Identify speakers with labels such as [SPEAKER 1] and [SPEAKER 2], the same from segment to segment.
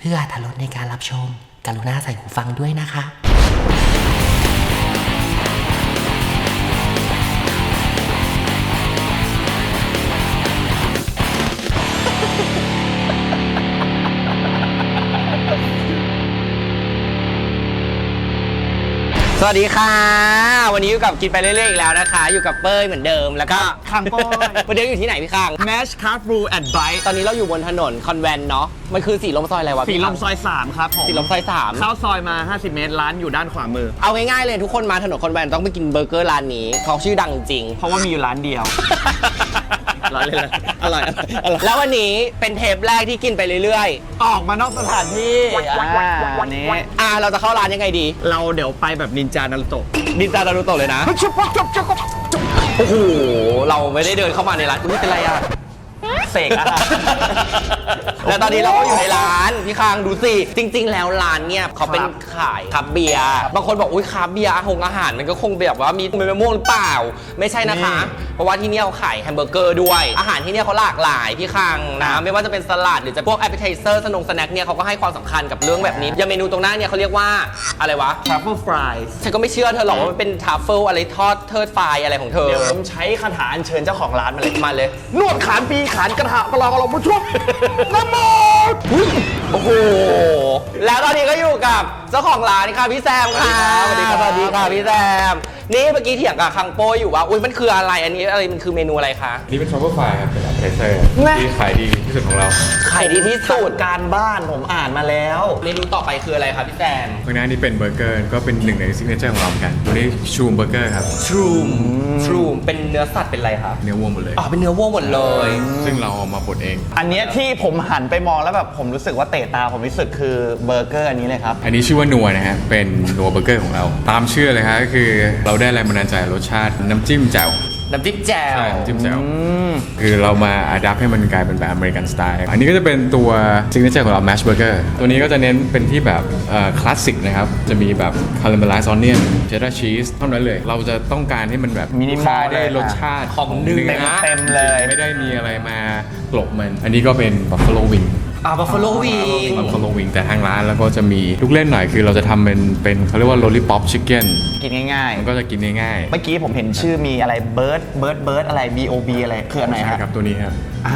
[SPEAKER 1] เพื่ออรรถรสในการรับชมกรุณาใส่หูฟังด้วยนะคะ
[SPEAKER 2] สวัสดีค่ะวันนี้อยู่กับกินไปเรื่อยๆอีกแล้วนะคะอยู่กับเป้ยเหมือนเดิมแล้วก็คังโป้ยวันนี้อยู่ที่ไหนพี่คัง
[SPEAKER 3] Nash Car Brew and Bite
[SPEAKER 2] ตอนนี้เราอยู่บนถนนคอนแวนต์เนาะมันคือสีลมซอยอะไรวะ
[SPEAKER 3] สี
[SPEAKER 2] พี่
[SPEAKER 3] ล
[SPEAKER 2] คัง
[SPEAKER 3] มซอย 3 ครับผม
[SPEAKER 2] สีลมซอย3
[SPEAKER 3] เข้าซอยมา 50 เมตร ร้านอยู่ด้านขวามือ
[SPEAKER 2] เอาง่ายๆเลยทุกคนมาถนนคอนแวนต์ต้องไปกินเบอร์เกอร์ร้านนี้เขาชื่อดังจริง
[SPEAKER 3] เพราะว่ามีอยู่ร้านเดียว ร้านเลยอร่อย
[SPEAKER 2] แล้ววันนี้เป็นเทปแรกที่กินไปเรื่อย
[SPEAKER 3] ออกมานอกสถานที่วันนี้
[SPEAKER 2] เราจะเข้าร้านยังไงดี
[SPEAKER 3] เราเดี๋ยวไปแบบนินจานารุโตะ
[SPEAKER 2] นินจานารูโตะเลยนะโอ้โหเราไม่ได้เดินเข้ามาในร้านคุณเป็นไรอะ
[SPEAKER 3] เสกอะ
[SPEAKER 2] แล้วตอนนี้เราก็อยู่ในร้านพี่คางดูสิจริง ๆ แล้วร้านเนี่ยเขาเป็นขายคับเบียร์บางคนบอกอุ้ยคับเบียร์อาหารมันก็คงแบบว่ามีมะม่วงหรือเปล่าไม่ใช่นะคะ เพราะว่าที่เนี่ยเขาขายแฮมเบอร์เกอร์ด้วยอาหารที่เนี่ยเขาหลากหลายพี่คางนะไม่ว่าจะเป็นสลัดหรือจะพวกแอปเปอร์ไทเซอร์สแน็คเนี่ยเขาก็ให้ความสำคัญกับเรื่องแบบนี้อย่างเมนูตรงหน้าเนี่ยเขาเรียกว่าอะไรวะ
[SPEAKER 3] Truffle Fries
[SPEAKER 2] ฉันก็ไม่เชื่อเธอหรอกว่ามันเป็นทัฟเฟิลอะไรทอดเทิดไฟอะไรของเธอ
[SPEAKER 3] เดี๋ยวผมใช้คาถาอัญเชิญเจ้าของร้านมาเลย
[SPEAKER 2] มาเลย
[SPEAKER 3] นวดขานปีขานกระทะประลองอารมณ์ผู้ช่วยน้ำโม
[SPEAKER 2] โอ้โห แล้วตอนนี้ก็อยู่กับเจ้าของร้านค่ะพี่แซมค่ะ
[SPEAKER 3] สวัสดีครับ
[SPEAKER 2] สวัสดีค่ะพี่แซม นี่เมื่อกี้เถียงกับคังโป้อยู่ว่าอุ้ยมันคืออะไรอันนี้อะไรมันคือเมนูอะไรคะ
[SPEAKER 4] นี่เป็น Truffle Fry ครับ เป็น appetizer ที่ขายดีที่สุดของเรา
[SPEAKER 2] ขายดีที่สุด
[SPEAKER 3] การบ้านผมอ่านมาแล้ว
[SPEAKER 2] เมนูต่อไปคืออะไรคะพี่แซม
[SPEAKER 4] ข้างหน้านี่เป็นเบอร์เกอร์ ก็เป็นหนึ่งในซิกเนเจอร์ของเราเหมือนกันตัวนี้ชูมเบอร์เกอร์ครับ
[SPEAKER 2] ทรูมเป็นเนื้อสัตว์เป็นอะไรคะ
[SPEAKER 4] เนื้อวัวหมดเลย
[SPEAKER 2] อ๋อเป็นเนื้อวัวหมดเลย
[SPEAKER 4] ซึ่งเราเอามาบดเอง
[SPEAKER 3] อันเนี้ยที่ผมหันไปมองแล้วแบบผมรู้สึกว่าเตะตาผมที่สุดคือเบอร์เกอร์อันนี้เลยครับ
[SPEAKER 4] อันนี้ชื่อว่านัวนะฮะ เป็นนัวเบอร์เกอร์ของเรา ตามชื่อเลยฮะก็คือเราได้แรงบันดาลใจรสชาติน้ำจิ้มแจ่ว
[SPEAKER 2] น้ำจิ้มแจ่ว
[SPEAKER 4] ใช่น้ำจิ้มแจ่วคือเรามาอัดแอปให้มันกลายเป็นแบบอเมริกันสไตล์ อันนี้ก็จะเป็นตัวซิกเนเจอร์ของเราแมชเบอร์เกอร์ตัวนี้ก็จะเน้นเป็นที่แบบคลาสสิกนะครับ จะมีแบบคาราเมลไลซ์ออนเนียนเชดดาร์ชีสเท่านั้นเลย เราจะต้องการให้มันแบบ
[SPEAKER 3] Minimal
[SPEAKER 4] ได้
[SPEAKER 3] เลย
[SPEAKER 4] รสชาติ
[SPEAKER 2] ของเนื้อ
[SPEAKER 3] เต็มเลย
[SPEAKER 4] ไม่ได้มีอะไรมากลบมัน อันนี้ก็เป็น Buffalo Wing
[SPEAKER 2] บัฟฟาโลวิง
[SPEAKER 4] Buffalo Wing แต่ทางร้านแล้วก็จะมีลูกเล่นหน่อยคือเราจะทำเป็นเขาเรียกว่า Lollipop Chicken
[SPEAKER 3] กินง่าย
[SPEAKER 4] มันก็จะกินง่าย
[SPEAKER 3] ๆ เมื่อกี้ผมเห็นชื่อมีอะไรเบิร์ดอะไร BOB อะไรคืออันไหน
[SPEAKER 4] ใช่
[SPEAKER 3] ฮะ
[SPEAKER 4] ครับตัวนี้ครับ
[SPEAKER 3] อ้าว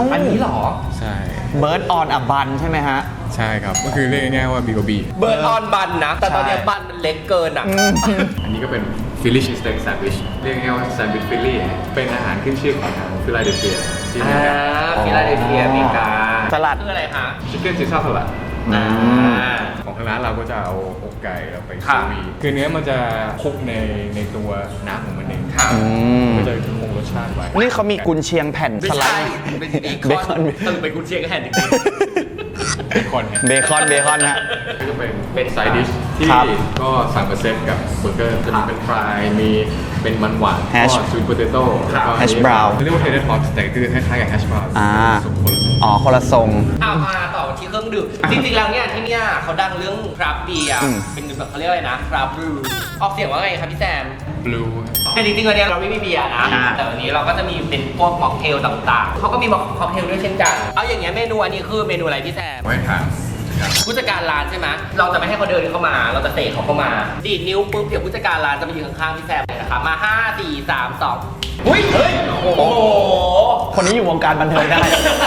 [SPEAKER 2] อันนี้เหรอ
[SPEAKER 4] ใช่
[SPEAKER 3] เบิร์ดออนอับบันใช่ไหมฮะ
[SPEAKER 4] ใช่ครับ ก็คือเรียกง่ายๆว่า BOB
[SPEAKER 2] เบิร์ดออนบันนะ แต่ตอนนี้
[SPEAKER 3] ใช่
[SPEAKER 2] บันมันเล็กเกินอ่ะ
[SPEAKER 4] อันนี้ก็เป็น Philly cheesesteak sandwich เรียกง่ายๆว่า sandwich Philly เป็นอาหารขึ้นชื่อของทางฟิลาเดลเฟียที่อเมริกา
[SPEAKER 2] ฟิลาเดลเฟียอเมริกา
[SPEAKER 3] สลัด
[SPEAKER 2] คืออะไรคะ
[SPEAKER 4] Chicken Caesar salad
[SPEAKER 2] อ่า
[SPEAKER 4] ของทางร้านเราก็จะเอาอกไก่เราไป
[SPEAKER 2] ค่ะ
[SPEAKER 4] ซูวีคือเนื้อมันจะคลุกในตัวน้ำของมันเอง
[SPEAKER 2] ค่ะ
[SPEAKER 4] ก็จะคงรสชาติไว้
[SPEAKER 3] นี่เขามีกุนเชียงแผ่น
[SPEAKER 2] ไม่
[SPEAKER 3] สไล
[SPEAKER 2] ใช่
[SPEAKER 3] ด์
[SPEAKER 2] เป็น
[SPEAKER 3] เบ
[SPEAKER 2] เบ
[SPEAKER 3] ค
[SPEAKER 2] ค
[SPEAKER 3] อ
[SPEAKER 2] อน นสรุปเป็นกุนเชียงกับแฮนจริง
[SPEAKER 4] เบคอนเนี่ย
[SPEAKER 3] เบคอนฮะ
[SPEAKER 4] ก็จะเป็นไซดิชที่
[SPEAKER 3] ครับ
[SPEAKER 4] ก็สั่งมาเซตกับเบอร์เกอร์จะมีเป็นฟรายมีเป็นมันหวาน
[SPEAKER 3] Hash
[SPEAKER 4] ก็สวีทโพเตโต้แล้วก็
[SPEAKER 3] Hash brown
[SPEAKER 4] เรียกว่าเทเดอร์ท็อตแต่คือคล้ายๆกับแฮชบราวน์
[SPEAKER 3] อ่า
[SPEAKER 4] สมคนละ
[SPEAKER 3] อ๋อคนละทรง
[SPEAKER 2] ๆมาต่อที่เครื่องดื่ม จริงๆแล้วเนี่ยที่เนี่ยเขาดังเรื่องคราฟต์เบียร์ เป็นแบบเขาเรียกอะไรนะคราฟต์บรูออกเสียงว่าไงครับพี่แซม
[SPEAKER 4] บลู
[SPEAKER 2] แต่จริงๆวันนี้เราไม่มีเบียร์นะ
[SPEAKER 3] อ่า
[SPEAKER 2] แต่วันนี้เราก็จะมีเป็นพวกม็อกเทลต่างๆ เขาก็มีม็อกเทลด้วยเช่นกัน เอาอย่างเงี้ยเมนูอันนี้คือเมนูอะไรพี่แซม
[SPEAKER 4] ไว้ถาม
[SPEAKER 2] ผู้จัดการร้านใช่ไหมเราจะไม่ให้เขาเดินเข้ามา เราจะเตะเขาเข้ามา ดีดนิ้วปุ๊บ เดี๋ยวผู้จัดการร้านจะมายืนข้างๆพี่แซมเลยนะคะมา 5 4 3 2หุ้ยเฮ้ย โอ้โห
[SPEAKER 3] คนนี้อยู่วงการบันเทิงได้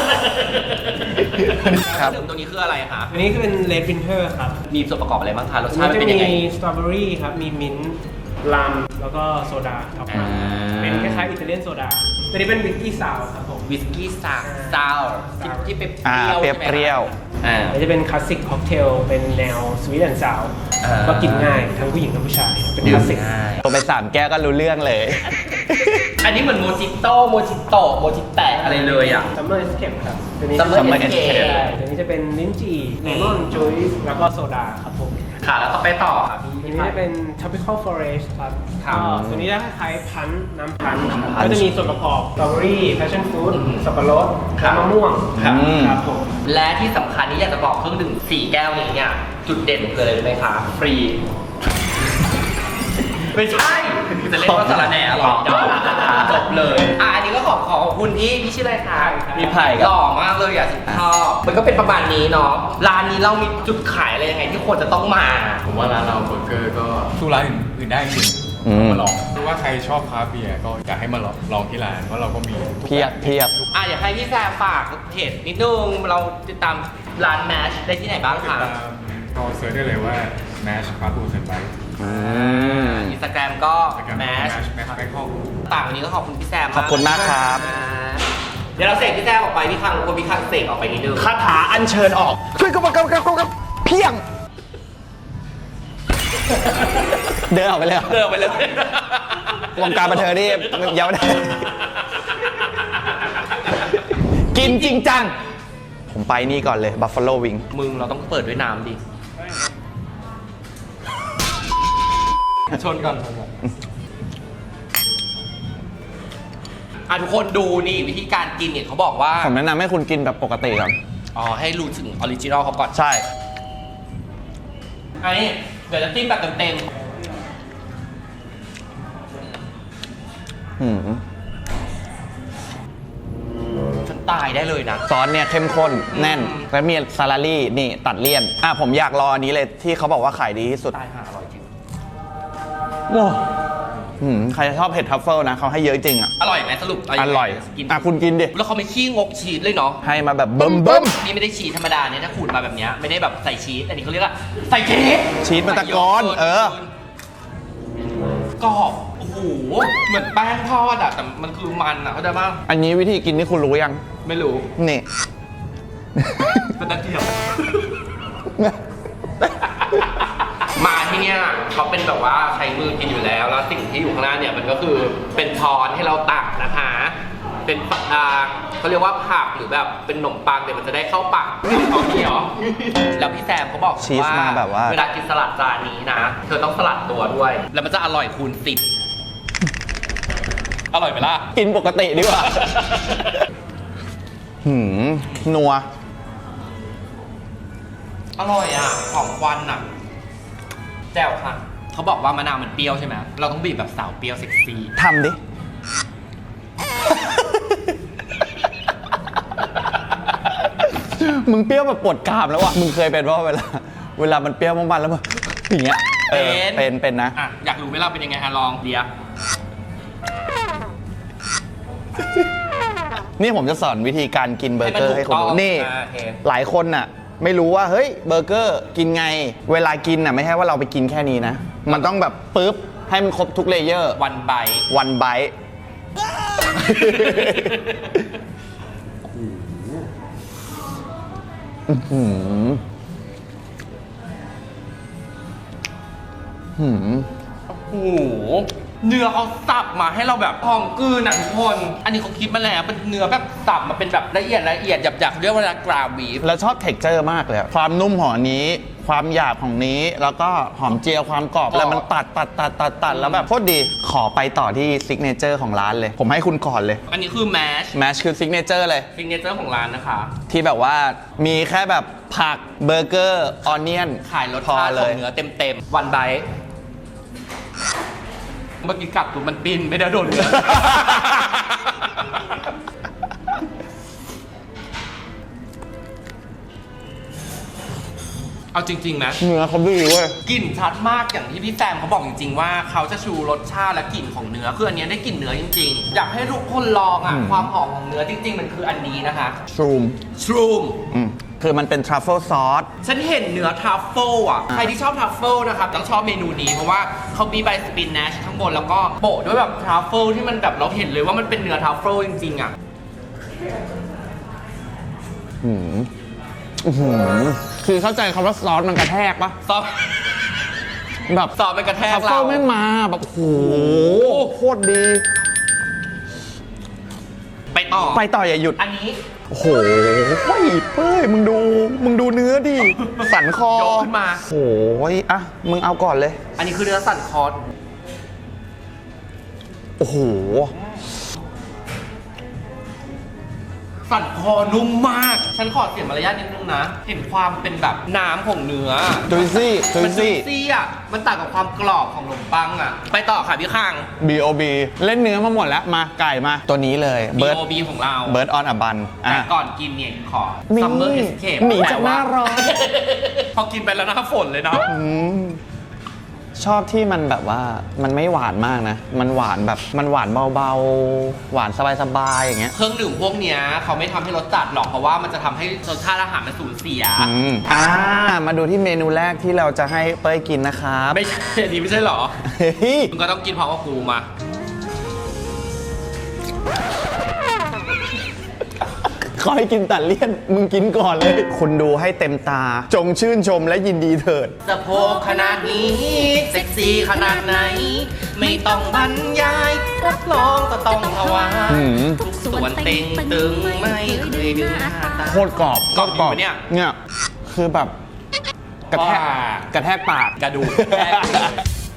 [SPEAKER 3] ครับ
[SPEAKER 2] ดื่มตัวนี้คืออะไรคะ
[SPEAKER 5] อันนี้คือเป็น Red Winter ครับ
[SPEAKER 2] มีส่วนประกอบอะไรบ้างคะ รส
[SPEAKER 5] อัน
[SPEAKER 2] ชาติ
[SPEAKER 5] นี้
[SPEAKER 2] มัน
[SPEAKER 5] จะ
[SPEAKER 2] เป็น
[SPEAKER 5] มี
[SPEAKER 2] ยังไง
[SPEAKER 5] สตรอเบอรี่ครับ มีมิ้นท์ลัมแล้วก็โซดาท็อปมา
[SPEAKER 2] อ่า
[SPEAKER 5] เป็นคล้ายๆอิตาเลียนโซดา ตัวนี้เป็นวิสกี้ซาวครับผม
[SPEAKER 2] วิสกี้ซาวที่เป็น
[SPEAKER 3] อ่า
[SPEAKER 2] เปรี้ยว
[SPEAKER 3] เปรี้ยว
[SPEAKER 2] ใช่ไหมคะอ่า
[SPEAKER 5] อันนี้จะเป็นคลาสสิกค็อกเทล เป็นแนวสวีทแอนด์ซาว
[SPEAKER 2] อ่า
[SPEAKER 5] ก็กินง่ายทั้งผู้หญิงทั้งผู้ชาย เป็นคลาสสิก
[SPEAKER 3] ตัวไป3แก้วก็รู้เรื่องเลย
[SPEAKER 2] อันนี้เหมือนโมจิโต้โมจิโตะโมจิแตะอะไรเลยอ่ะ
[SPEAKER 5] ซัมเมอร์เอสเคปครับ ตัวนี้
[SPEAKER 2] Summer
[SPEAKER 3] Summer
[SPEAKER 2] Escape
[SPEAKER 3] Escape
[SPEAKER 5] ใช่ตัวนี้จะเป็นลิ้นจี่เลมอนจุยส์แล้วก็โซดาครับผม
[SPEAKER 2] ค่ะ แล้วก็ไปต่อค่ะ
[SPEAKER 5] ตัว
[SPEAKER 2] พี่
[SPEAKER 5] นี้จะเป็น tropical forest ครับ
[SPEAKER 2] ครับ
[SPEAKER 5] ก็ตัวนี้จะคล้ายๆพันธุ์น้ำพันธุ์ครับ
[SPEAKER 3] Punch
[SPEAKER 5] ก็จะมีส่วนประกอบสตรอเบอรี่ passion fruit สับปะรด
[SPEAKER 2] ครับ
[SPEAKER 5] และมะม่วง
[SPEAKER 3] ครับ
[SPEAKER 5] ครับผม
[SPEAKER 2] และที่สำคัญนี้อยากจะบอกเครื่องดื่ม4 แก้วนี้เนี่ย จุดเด่นคืออะไรรู้ไหมคะ ฟรีไม่ใช่จะเล่นว่าสารแหน่หรอจบเลยอันนี้ก็ขอบคุณพี่ชื่ออะไรคะ
[SPEAKER 3] มีไผ่กับ
[SPEAKER 2] หล่อมากเลยอ่ะสุดชอบมันก็เป็นประมาณนี้เนาะร้านนี้เรามีจุดขายอะไรยังไงที่ควรจะต้องมา
[SPEAKER 4] ผมว่าร้านเราเบอร์เกอร์ก็สู้ร้านอื่นได้จริงมาลองหรือว่าใครชอบคราฟต์เบียร์ก็อยากให้มาลองที่ร้านเพราะเราก็มีทุก
[SPEAKER 3] เพียบเพียบ
[SPEAKER 2] อยากให้พี่แซมฝากเพจนิดนึงเราติดตามร้านแมชได้ที่ไหนบ้าง
[SPEAKER 4] ติด
[SPEAKER 2] คะ
[SPEAKER 4] ตามก็เซิร์ชได้เลยว่า Mash คราฟต์บูเซนไป
[SPEAKER 2] อินสตาแกรมก็
[SPEAKER 4] แม
[SPEAKER 2] แมช
[SPEAKER 4] ชแบงคอก
[SPEAKER 2] ต่างวันนี้ก็ขอบคุณพี่แซม
[SPEAKER 3] ขอบคุณมากครับ
[SPEAKER 2] เดี๋ยวเราเสกพี่แซมออกไปพี่คังคนพี่คังเสกออกไปนิดนึง
[SPEAKER 3] คาถาอัญเชิญออก ช่วยกับเพียง เดินออกไปเลย
[SPEAKER 2] เลิกไปเลยว
[SPEAKER 3] งการบันเทิงนี่ยังไม่ได้ กินจริงจัง ผมไปนี่ก่อนเลย Buffalo Wing
[SPEAKER 2] มึงเราต้องเปิดด้วยน้ำดิชนก่อนทุกคนดูนี่วิธีการกินเนี่ยเขาบอกว่า
[SPEAKER 3] ผมแนะนำให้คุณกินแบบปกติก่อน
[SPEAKER 2] ให้รู้ถึงออริจินอลเขาก่อน
[SPEAKER 3] ใช่
[SPEAKER 2] อันนี้เดี๋ยวจะจิ้มแบบเต็ม
[SPEAKER 3] หืม
[SPEAKER 2] ๆฉันตายได้เลยนะ
[SPEAKER 3] ซอสเนี่ยเข้มข้นแน่น และมีซาลารี่นี่ตัดเลี่ยน ผมอยากรออันนี้เลยที่เขาบอกว่าขายดีที่สุด
[SPEAKER 2] ตายห่าอร่อยจริง
[SPEAKER 3] โอ้ใครชอบเผ็ดทัฟเฟิลนะเขาให้เยอะจริงอ่ะ
[SPEAKER 2] อร่อยไหมสรุปเา
[SPEAKER 3] อ
[SPEAKER 2] ยังไง
[SPEAKER 3] ร่อย
[SPEAKER 2] กิน
[SPEAKER 3] คุณกินดิ
[SPEAKER 2] แล้วเขาไม่ขี้งกชีสเลยเนาะ
[SPEAKER 3] ให้มาแบบเบิ่ม
[SPEAKER 2] นี่ไม่ได้ชีสธรรมดาเนี่ยถ้าขูดมาแบบเนี้ยไม่ได้แบบใส่ชีสอันนี้เขาเรียกว่าใส่ชีส
[SPEAKER 3] ชีสมันตะกอน
[SPEAKER 2] กรอบโอ้โหเหมือนแป้งทอดอะแต่มันคือมันอะเข้าใจป่ะ
[SPEAKER 3] อันนี้วิธีกินนี่คุณรู้ยัง
[SPEAKER 2] ไม่รู้
[SPEAKER 3] นี่
[SPEAKER 2] เป็นตะเกียบ มาที่เนี่ยเขาเป็นแบบว่าใช้มือกินอยู่แล้วแล้วสิ่งที่อยู่ข้างหน้าเนี่ยมันก็คือเป็นช้อนให้เราตักนะคะ เป็นเขาเรียกว่าผักหรือแบบเป็นขนมปังเนี่ยมันจะได้เข้าปากเอาที่เหรอแล้วพี่แซมเขาบอก
[SPEAKER 3] ชีสมาแบบว่า
[SPEAKER 2] เวลากินสลัดจานนี้นะเธอต้องสลัดตัวด้วย แล้วมันจะอร่อยคูณ10อร่อยไหมล่ะ
[SPEAKER 3] กินปกติดีกว่า นัว
[SPEAKER 2] อร่อยอ่ะหอมควันอ่ะแจ่วค่ะเขาบอกว่ามะนาวมันเปรี้ยวใช่ไหมเราต้องบีบแบบสาวเปรี้ยวเซ็กซี่
[SPEAKER 3] ทำดิ มึงเปรี้ยวแบบปวดกรามแล้วอ่ะ มึงเคยเป็นว่าเวลามันเปรี้ยวมากๆแล้วมันอย่างเงี้ยเป็นนะ
[SPEAKER 2] อยากรู้ไหมล่ะเป็นยังไงลองเดียว
[SPEAKER 3] นี่ผมจะสอนวิธีการกินเบอร์เกอร์ให้คุณดูนี่
[SPEAKER 2] โอเค
[SPEAKER 3] หลายคนน่ะ ไม่รู้ว่าเฮ้ยเบอร์เกอร์กินไง เวลากินน่ะไม่ใช่ว่าเราไปกินแค่นี้นะ มันต้องแบบปุ๊บให้มันครบทุกเลเยอร์
[SPEAKER 2] วันไบ
[SPEAKER 3] วันไบต์
[SPEAKER 2] โอ้โหเนื้อเขาสับมาให้เราแบบพองกลืนอ่ะทุกคนอันนี้เขาคิดมาแล้วเป็นเนื้อแบบสับมาเป็นแบบละเอียดหยาบๆเรียกว่ากราบีฟ
[SPEAKER 3] แล้วชอบเท็กเจอร์มากเลยอะความนุ่มของอันนี้ ความหยาบของนี้ แล้วก็หอมเจียวความกรอบแล้วมันตัดแล้วแบบโคตรดี ขอไปต่อที่ซิกเนเจอร์ของร้านเลย ผมให้คุณก่อนเลย
[SPEAKER 2] อันนี้คือแมช
[SPEAKER 3] แมชคือซิกเนเจอร์เลย
[SPEAKER 2] ซิงเกิลเจอร์ของร้านนะคะ
[SPEAKER 3] ที่แบบว่ามีแค่แบบผักเบอร์เกอร์ออนเนียน
[SPEAKER 2] ขายรส
[SPEAKER 3] พอ
[SPEAKER 2] ชาติ
[SPEAKER 3] เล
[SPEAKER 2] ของ
[SPEAKER 3] ย
[SPEAKER 2] เนื้อเต็มๆวันไบเมื่อกี้กัดตัวมันปิ้นไม่ได้โดนเนื้อ เอาจริงๆนะ
[SPEAKER 3] เนื้อเขาดีเว้ย
[SPEAKER 2] กลิ่นชัดมากอย่างที่พี่แซมเขาบอกจริงๆว่าเขาจะชูรสชาติและกลิ่นของเนื้อคืออันนี้ได้กลิ่นเนื้อจริงๆ อยากให้ทุกคนลองอ่ะความหอมของเนื้อจริงๆ มันคืออันนี้นะคะ
[SPEAKER 3] ชรูม
[SPEAKER 2] ชรูม
[SPEAKER 3] คือมันเป็นทรัฟเฟิลซอส
[SPEAKER 2] ฉันเห็นเนื้อทรัฟเฟิลอ่ะใครที่ชอบทรัฟเฟิลนะครับต้องชอบเมนูนี้เพราะว่าเขามีใบสปินแนชข้างบนแล้วก็โปะด้วยแบบทรัฟเฟิลที่มันแบบเราเห็นเลยว่ามันเป็นเนื้อทรัฟเฟิลจริงๆอ่ะ
[SPEAKER 3] คือเข้าใจคำว่าซอสมันกระแทกปะ
[SPEAKER 2] ซอส
[SPEAKER 3] แบบ
[SPEAKER 2] ซอสมันกระแทก
[SPEAKER 3] ทรัฟ
[SPEAKER 2] เรา
[SPEAKER 3] เฟิลไม่มาแบบโอ้โหโคตรดี
[SPEAKER 2] ไปต่อ
[SPEAKER 3] ไปต่ออย่าหยุด
[SPEAKER 2] อันนี้
[SPEAKER 3] โอ้โหเฮ้ยเป้ยมึงดูเนื้อดิ สันคอย
[SPEAKER 2] กขึ้นมา
[SPEAKER 3] โอ้ยอ่ะ มึงเอาก่อนเลย
[SPEAKER 2] อันนี้คือเนื้อสันคอ
[SPEAKER 3] โอ้โห
[SPEAKER 2] สสันคอนุ่มมาก ฉันขอเสียมารยาทนิดนึงนะ เห็นความเป็นแบบน้ำของเนื้อ
[SPEAKER 3] จุยซี่จุย
[SPEAKER 2] มัน
[SPEAKER 3] ซี่
[SPEAKER 2] ซี่อ่ะ มันต่างกับความกรอบของขนมปังอ่ะ ไปต่อค่ะพี่ข้าง
[SPEAKER 3] B.O.B เล่นเนื้อมาหมดแล้วมาไก่มาตัวนี้เลย
[SPEAKER 2] B.O.B ของเรา
[SPEAKER 3] Bird on a Bun
[SPEAKER 2] แต่ก่อนกินเนี่ยขอ
[SPEAKER 3] นี่
[SPEAKER 2] Summer Escape
[SPEAKER 3] หนีจากหน้าร้อน
[SPEAKER 2] พอกินไปแล้วหน้าฝนเลยเนาะ
[SPEAKER 3] ชอบที่มันแบบว่ามันไม่หวานมากนะ มันหวานแบบมันหวานเบาๆ หวานสบายๆอย่างเงี้ย
[SPEAKER 2] เครื่องดื่มพวกเนี้ยเขาไม่ทำให้รสจัดหรอกเพราะว่ามันจะทำให้รสชาติอาหารมันสูญเสีย
[SPEAKER 3] มาดูที่เมนูแรกที่เราจะให้เป้ยกินนะครับ
[SPEAKER 2] ไม่ใช่อันนี้ไม่ใช่หรอ
[SPEAKER 3] เฮ้ย
[SPEAKER 2] มึงก็ต้องกินพร้อมกับกูมา
[SPEAKER 3] ขอให้กินตัดเลี่ยน มึงกินก่อนเลย คุณดูให้เต็มตา จงชื่นชมและยินดีเถิด
[SPEAKER 2] สะโพกขนาดนี้เซ็กซี่ขนาดไหน ไม่ต้องบรรยายรับรองก็ต้องถวาย
[SPEAKER 3] อืม
[SPEAKER 2] ทุกส่วนเต็งตึงไม่เคยดึงหน้าตา
[SPEAKER 3] โคตรกรอบ
[SPEAKER 2] กรอบจริงปะเนี่ย
[SPEAKER 3] เนี่ยคือแบบกระแทก
[SPEAKER 2] ว้า
[SPEAKER 3] กระแทกปาก
[SPEAKER 2] กระดูกแทกเลย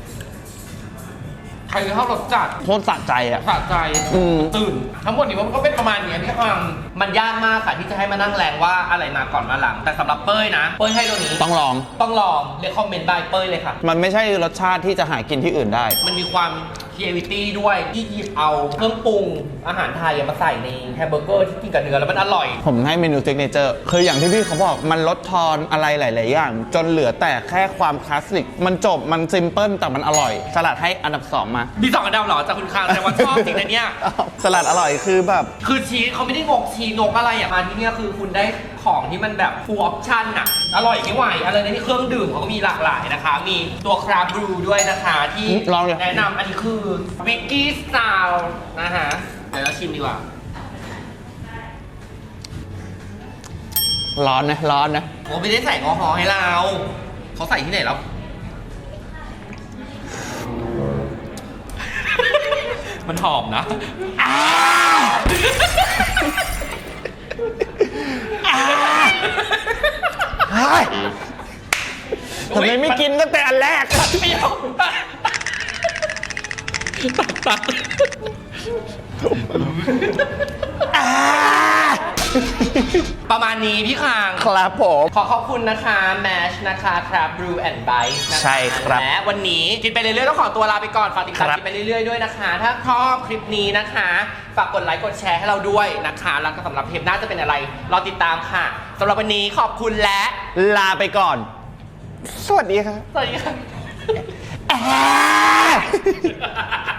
[SPEAKER 2] ใครชอบรสจัด
[SPEAKER 3] โคตรสะใจอ่ะ
[SPEAKER 2] สะใจ
[SPEAKER 3] อืม
[SPEAKER 2] ตื่น ทั้งหมดนี้มันก็เป็นประมาณเนี้ยพี่ฟังมันยากมากค่ะที่จะให้มานั่งแรงว่าอะไรมาก่อนมาหลัง แต่สำหรับเป้ยนะ เป้ยให้ตัวนี้
[SPEAKER 3] ต้องลอง
[SPEAKER 2] ต้องลองเรียกคอมเมนต์บายเป้ยเลยค่ะ
[SPEAKER 3] มันไม่ใช่รสชาติที่จะหากินที่อื่นได้
[SPEAKER 2] มันมีความ creativity ด้วยที่หยิบเอาเครื่องปรุงอาหารไทยมาใส่ในแฮมเบอร์เกอร์ที่กินกับเนื้อแล้วมันอร่อย
[SPEAKER 3] ผมให้เมนูซิกเนเจอร์คืออย่างที่พี่เขาบอกมันลดทอนอะไรหลาย ๆ อย่าง จนเหลือแต่แค่ความคลาสสิก มันจบมันซิมเพิลแต่มันอร่อย สลัดให้อันดับ 2 มา
[SPEAKER 2] มี2 อันดับเหรอจากคุณคางแต่ว่าชอบจริงนะเนี่ย
[SPEAKER 3] สลัดอร่อยคือแบบ
[SPEAKER 2] คือชีสเขาไม่ได้งกชีสงกอะไรอ่ะมาที่เนี่ยคือคุณได้ของที่มันแบบ full option อ่ะ อร่อยไม่ไหวอะไรในที่เครื่องดื่มเขาก็มีหลากหลายนะคะ มีตัวคราบรูด้วยนะคะที่
[SPEAKER 3] ลองเลย
[SPEAKER 2] แนะนำอันนี้คือวิกกี้สไตล์นะคะ เดี๋ยวเราชิมดีกว่า
[SPEAKER 3] ร้อนนะร้อนนะ
[SPEAKER 2] โอ้ไม่ได้ใส่แอลกอฮอล์ให้เรา เขาใส่ที่ไหนแล้ว มันหอมนะ
[SPEAKER 3] เฮ้ยทำไมไม่กินตั้งแต่อันแรก
[SPEAKER 2] ไม่เอาตัด ประมาณนี้พี่คาง
[SPEAKER 3] ครับผม
[SPEAKER 2] ขอขอบคุณนะคะแมชนะคะครับ Brew and Bite นะคะ
[SPEAKER 3] ใช่ครับ
[SPEAKER 2] และวันนี้กินไปเรื่อยๆต้องขอตัวลาไปก่อน ฝากติดตาม
[SPEAKER 3] ครับ
[SPEAKER 2] กินไปเรื่อยๆด้วยนะคะ ถ้าชอบคลิปนี้นะคะ ฝากกดไลค์กดแชร์ให้เราด้วยนะคะ แล้วก็สำหรับเทปหน้าจะเป็นอะไร รอติดตามค่ะสำหรับวันนี้ขอบคุณและ
[SPEAKER 3] ลาไปก่อน สวัสดีครับ
[SPEAKER 2] สวัสดีค่ะ